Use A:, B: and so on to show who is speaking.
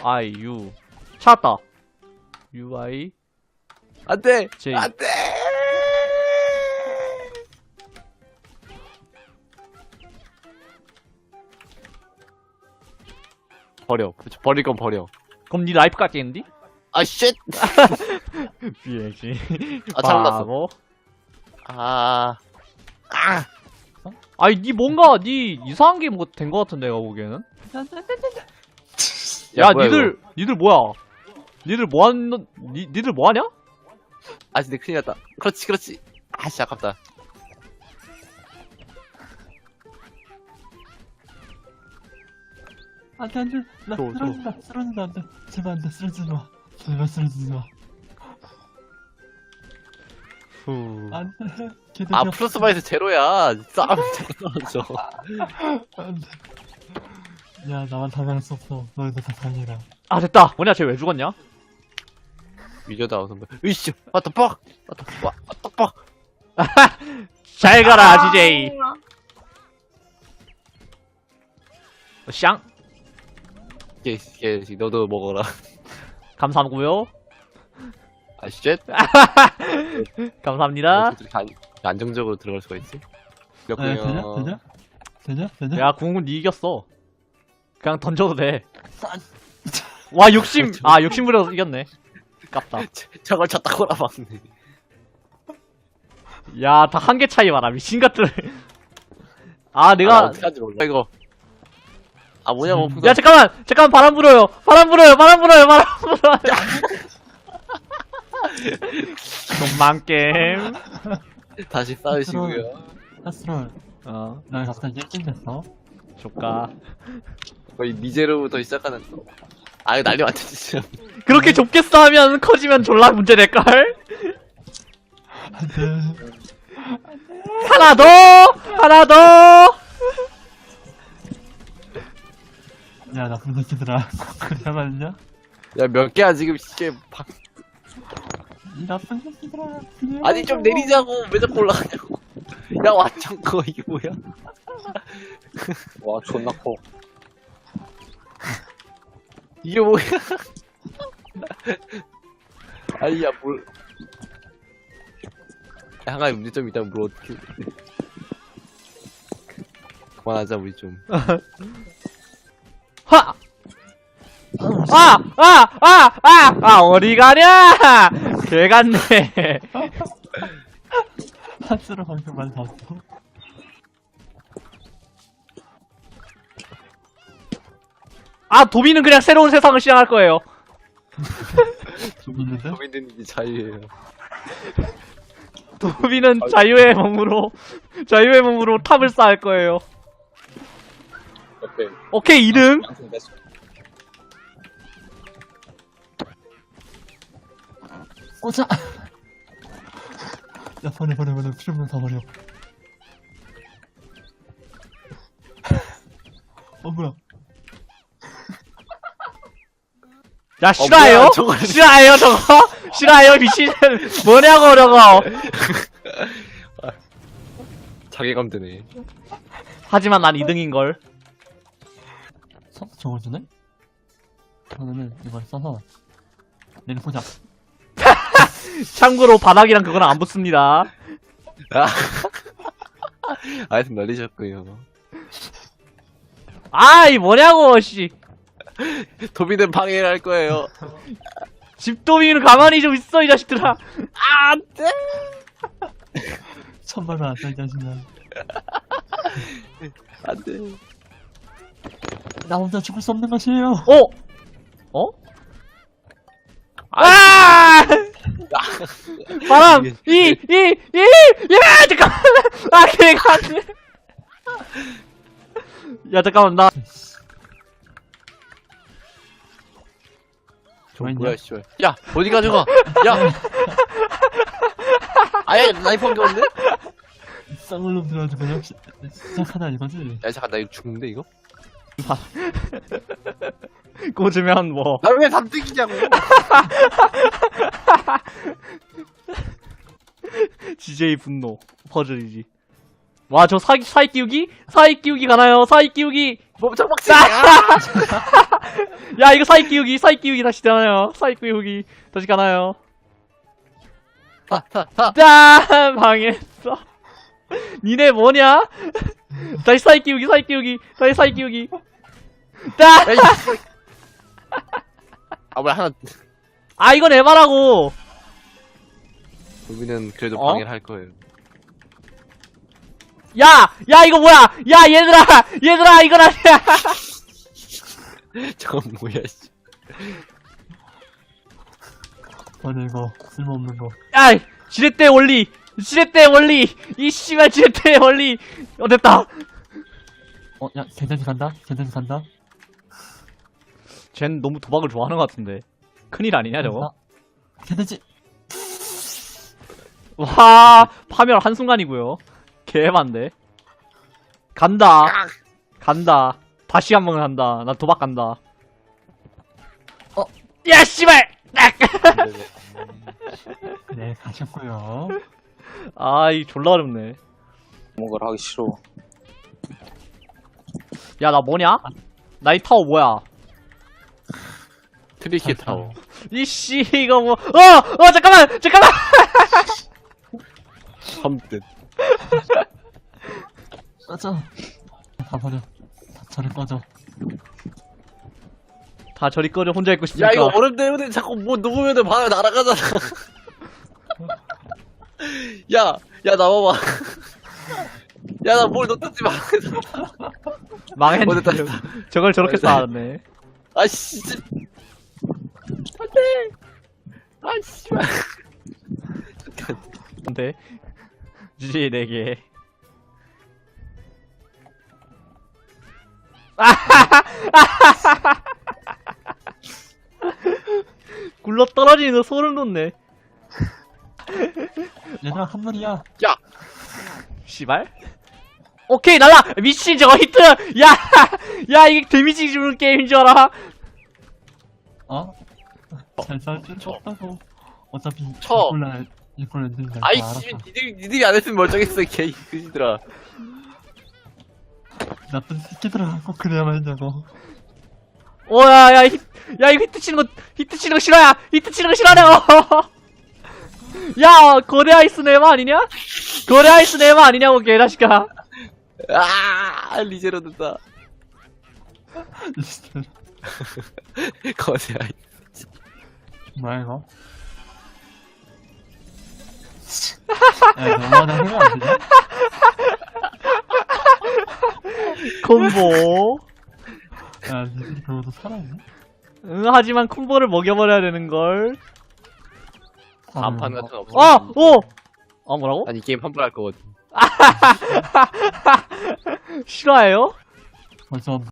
A: U 찾았다. UI
B: 안돼
A: J.
B: 안돼. 버릴 건 버려.
A: 그럼 니 라이프 깎겠는디?
B: 아 쉣.
A: 비행시.
B: 아 잘못 났어.
A: 바보. 아니 니 뭔가 니 이상한 게 뭐 된 거 같은데 내가 보기에는. 야
B: 뭐야,
A: 니들 뭐야? 니들 니들 뭐하냐?
B: 아 근데 큰일 났다. 그렇지. 아씨 아깝다.
C: 안돼 나 쓰러진다 안돼 제발 안돼 쓰러지지마 제발 쓰러지지마
A: 후.
C: 안돼
B: 아 플러스 마이너스 제로야. 싸움 자꾸 떨어져.
C: 안돼 야 나만 당할 수 없어 너희들 다 당해라
A: 아 됐다. 뭐냐 쟤 왜 죽었냐?
B: 위저다 선배. 으이씨. what the fuck.
A: 잘 가라 DJ. 샹.
B: 예, 너도 먹어라.
A: 감사하고요.
B: 아 쉣.
A: 감사합니다.
B: 어떻게 이렇게 안정적으로 들어갈 수가 있지? 그렇군요.
C: 되냐?
A: 야 궁은 니 이겼어. 그냥 던져도 돼. 와 욕심 부려서 이겼네. 깝다.
B: 저걸 쳤다 꼬라박네.
A: 야 다 한 개 차이 봐라 미친 것들. 아
B: 나
A: 내가
B: 어떻게 하지 몰라 이거. 아 뭐냐고.
A: 야 잠깐만 바람 불어요. 돈만 게임.
B: 다시 싸우시고요.
C: 하스롤 나 갑자기 일진됐어
A: 조까.
B: 거의 미제로부터 시작하는 거. 아 이거 난리 완전 진짜.
A: 그렇게 좁게 싸우면 커지면 졸라 문제 될걸?
C: 안돼
A: 하나 더!
C: 야 나쁜 새끼들아 그냥 말이냐?
B: 야 몇 개야 지금 이게
C: 이 나쁜 새끼들아
B: 아니 좀 내리자고. 왜 자꾸 올라가냐고. 야 완전 커 이게 뭐야. 와 존나 커. 이게 뭐야. 아니 야 뭘. 야, 한 가지 문제점이 있다면 뭘 어떻게. 그만하자 우리 좀.
A: 하! 어디 가냐! 개 같네.
C: 하스롤 방금 말 봤어
A: 아, 도비는 그냥 새로운 세상을 시작할 거예요.
C: 좀 있는데?
B: 도민들이 자유예요.
A: 도비는 자유의 몸으로 탑을 쌓을 거예요. 오케이, 2등.
C: 꽂아 야 버려 트림을 다 버려 뭐야
A: 야, 싫어요?
B: 뭐야, 저거.
A: 싫어요, 저거? 싫어요, 미친. 뭐냐고, 저거.
B: 자괴감 드네.
A: 하지만 난 2등인걸.
C: 저걸 주네? 그러면은 이걸 써서 내일 보자
A: 참고로 바닥이랑 그거는 안 붙습니다.
B: 하여튼 날리셨고요.
A: 아이, 뭐냐고, 씨.
B: 도비는 방해를 할 거예요.
A: 집도비는 가만히 좀 있어, 이 자식들아. 아, 안 돼.
C: 천발로 안써 이 자식아
B: 안돼.
C: 나 혼자 죽을 수 없는 것이에요
A: 어? 아! 바람! 야, 잠깐만! 아, 걔가 안 돼! 야, 잠깐만,
B: 뭐야 씨발. 야 어디 가져가. 야. 아예 나이프 한 게 없네.
C: 쌍을 놈 들어가지고 그냥 시작하다 이거지
B: 야 잠깐 나 이거 죽는데 이거?
A: 꽂으면 뭐.
B: 나 왜 3등이냐고.
A: DJ 분노. 퍼즐이지. 와, 저 사이 끼우기? 사이 끼우기 가나요? 사이 끼우기!
B: 멈춰 박치야.
A: 야, 이거 사이 끼우기 다시 되나요? 사이 끼우기 다시 가나요? 짠! 방했어. 니네 뭐냐? 다시 사이 끼우기, 다시 사이 끼우기. 짠!
B: 에이, 아, 뭐야, 하나.
A: 아, 이건 에바라고!
B: 우리는 그래도
A: 어?
B: 방해를 할 거예요.
A: 야! 야, 이거 뭐야! 야, 얘들아, 이건 아니야!
B: 저건 뭐야, 씨.
C: 맞아, 이거. 쓸모없는 거.
A: 야! 지렛대 원리! 이 씨발 지렛대 원리! 됐다!
C: 야, 괜찮지 간다?
A: 쟨 너무 도박을 좋아하는 것 같은데. 큰일 아니냐, 저거?
C: 괜찮지?
A: 와, 파멸 한순간이고요. 개만데. 간다. 다시 한 번 간다. 나 도박 간다. 야, 씨발!
C: 네, 가셨고요.
A: 아, 이 졸라 어렵네.
D: 뭔가를 하기 싫어.
A: 야, 나 뭐냐? 나 이 타워 뭐야?
B: 트리키 타워.
A: 이씨, 이거 뭐, 잠깐만!
B: 섬뜻.
C: 꺼져. 다 버려. 다 저리 꺼져.
A: 다 저리 꺼져, 혼자 있고 싶으니까.
B: 야, 이거 얼음 때문에 자꾸 뭐 누우면은 바로 날아가잖아. 야, 나와봐. 야, 나 뭘 놓쳤지 마.
A: 망했네.
B: 됐다.
A: 저걸 저렇게 쌓았네.
B: 아, 씨. 안 돼. 아, 씨발.
A: 근데, 주지 4개. 굴러 떨어지는 거 소름 돋네.
C: 얘들아, 한 마리야.
B: 야,
A: 씨발. 오케이, 날라! 미친, 저거 히트! 야, 이게 데미지 주는 게임인 줄 알아?
C: 잘 싸울 줄 없다고. 어차피
B: 쳐.
C: 이걸 엔딩 날
B: 아이,
C: 알았어.
B: 씨. 니들이 안 했으면 멀쩡했어, 개, 그지들아.
C: 나쁜 새끼들아, 꼭 그래야만 했냐고.
A: 야, 이거 히트 치는 거 싫어야! 히트 치는 거 싫어하냐고! 야, 거대 아이스 네마 아니냐? 거대 아이스 네마 아니냐고, 개자식아.
B: 리제로 된다. 거세야.
C: 뭐야, 이거? 야, 너무하다 생각 안 되냐?
A: 콤보.
C: 야, 니들이 그러고도 살아있네?
A: 응, 하지만 콤보를 먹여버려야 되는걸.
B: 안판 같은 거 없어.
A: 뭐라고?
B: 아니, 게임 환불할 거거든.
A: 싫어해요?
C: 벌써